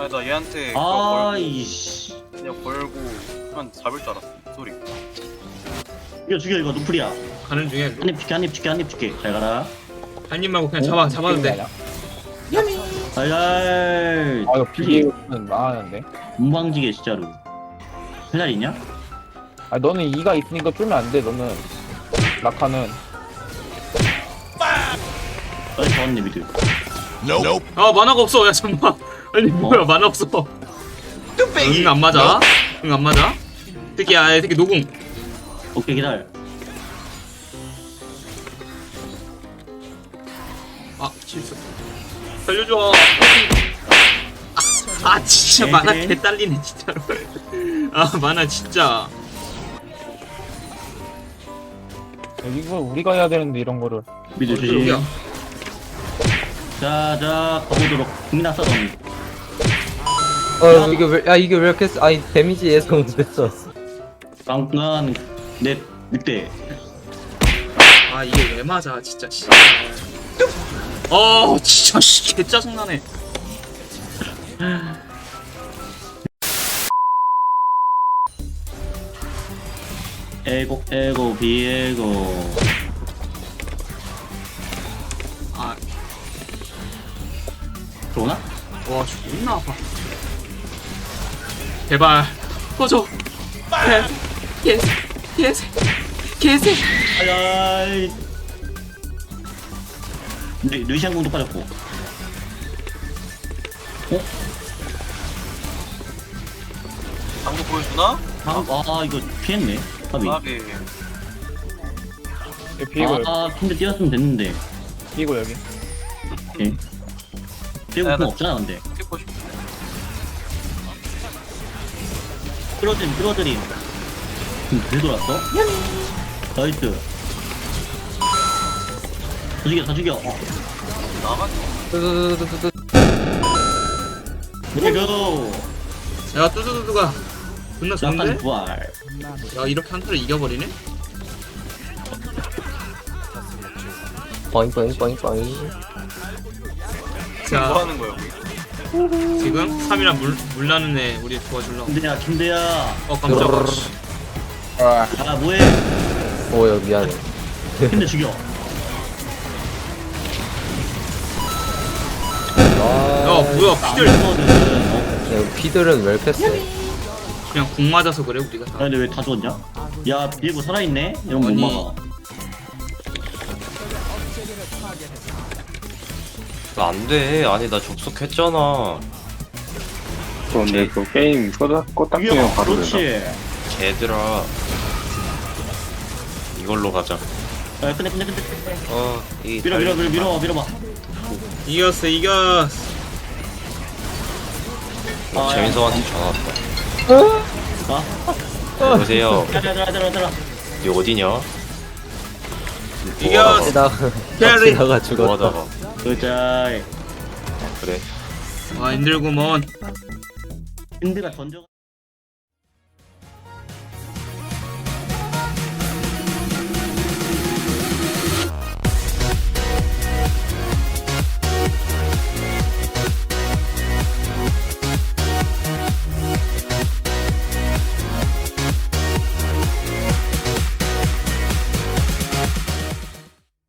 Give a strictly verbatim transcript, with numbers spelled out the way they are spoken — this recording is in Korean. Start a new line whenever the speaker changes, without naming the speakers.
아니 나 얘한테 그거 걸고
아이씨.
그냥 걸고 한 잡을 줄 알았어 소리.
이거 죽여 이거 누플이야.
가는 중에
한입 줄게 한입 줄게 한입 줄게. 잘 가라.
한 입 말고 그냥 잡아 잡아도 돼.
알알.
아 이거 비계는 망하는데.
문방지게 진짜로. 회살 있냐?
아 너는 이가 있으니까 쫄면 안 돼. 너는 라카는
빨리 잡았네 미드.
아 만화가 없어. 야 잠만. 아니 뭐야 만화 없어. 응 안 맞아. 응 안 맞아. 특히 아 특히 노궁.
오케이 기다려.
아 실수. 살려줘. 아, 아 진짜 만화 개 딸리네 진짜로. 아 만화 진짜.
이거 우리가 해야 되는데 이런 거를.
미드
여기야.
조심. 자자 가보도록. 국민아 써던.
어 이게 왜, 야 이게 왜 이렇게 쓰- 아니 데미지 예상 됐어.
방금 내 늑대.
아 이게 왜 맞아 진짜 씨. 어 진짜 씨, 개 짜증나네.
에고 에고 비에고.
아,
들어오나?
와 존나 아파. 제발 꺼져. 개, 개, 개새, 개새.
아야이. 루, 루시안 공도 빠졌고. 어?
방금 보여주나?
방, 아 이거 피했네. 까비.
아비.
비고
아 근데 뛰었으면 됐는데.
비고 여기.
오케이. 뛰고
야,
공
나-
없잖아 근데.
찍고 싶어.
끌어들임 끌어들임. 음, 왜 돌았어? 나이스. 다 죽여 다 죽여. 어.
나가지.
뚜두두두두두.
이거.
야 뚜두두두가 존나
약간
좋은데?
부활.
야 이렇게 한 턴을 이겨버리네?
뽀잉 뽀잉 뽀잉 뽀잉.
뭐
자
하는 거야 우리?
지금 삼 이랑 물, 물 나는 애 우리 도와줄러.
김대야 김대야.
어 깜짝아.
아
아 뭐해?
오야 미안해.
김대 죽여.
아,
야 뭐야 피들
이거는 어?
야, 피들은 왜 이렇게 세?
그냥 궁 맞아서 그래 우리가
야
다.
근데 왜 다 죽었냐? 야 비에고 살아있네? 이런 거 못
아니.
막아.
나 안 돼. 아니 나 접속했잖아.
근데 그 게임 껐다, 껐다
죽여.
끼면 바로 된다.
그렇지.
걔들아. 이걸로 가자.
야 끝내 끝내 끝내 끝내.
어, 이
밀어 밀어 밀어 밀어 밀어봐.
이겼어 이겼어.
어,
아,
재민성한테 전화 왔다.
아
여보세요.
야야야 야야 야야.
니 어디냐?
이겼어.
나
캐리.
나가 죽었다.
뭐하다가?
그자.
그래.
아 힘들구먼.
힌드가 던져.